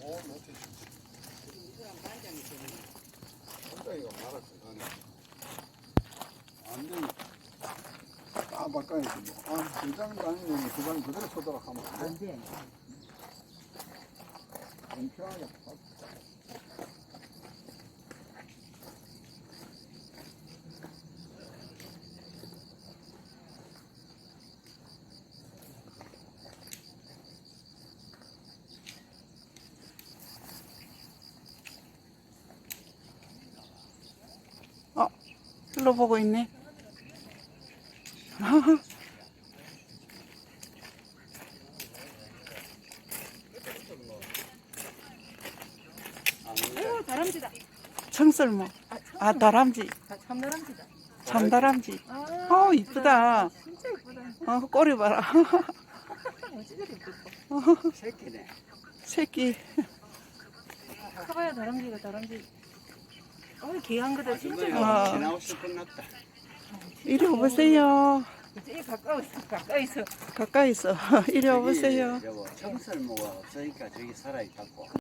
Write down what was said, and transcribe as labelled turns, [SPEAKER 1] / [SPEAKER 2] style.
[SPEAKER 1] 못해. 반장이가 말았어, 나는. 안 돼. 바꿔야지. 뭐. 대장 다니면 그장 그대로 서도록 하면 안 돼. 공평하게.
[SPEAKER 2] 일로 보고 있네.
[SPEAKER 3] 아이고 다람쥐다.
[SPEAKER 2] 청설모. 아, 다람쥐.
[SPEAKER 3] 참다람쥐다.
[SPEAKER 2] 참다람쥐.
[SPEAKER 3] 아,
[SPEAKER 2] 이쁘다.
[SPEAKER 3] 진짜 이쁘다.
[SPEAKER 2] 꼬리 봐라.
[SPEAKER 3] 어찌저리 이쁘고.
[SPEAKER 1] 새끼네.
[SPEAKER 2] 새끼.
[SPEAKER 3] 커봐야 다람쥐가 다람쥐. 귀한 거다 진짜.
[SPEAKER 2] 아.
[SPEAKER 1] 지나오시 끝났다.
[SPEAKER 2] 이리 오보세요.
[SPEAKER 3] 이제 가까이서.
[SPEAKER 2] 가까이서. 이리 오보세요.
[SPEAKER 1] 여보, 청설모가 없으니까 저기 살아있다고.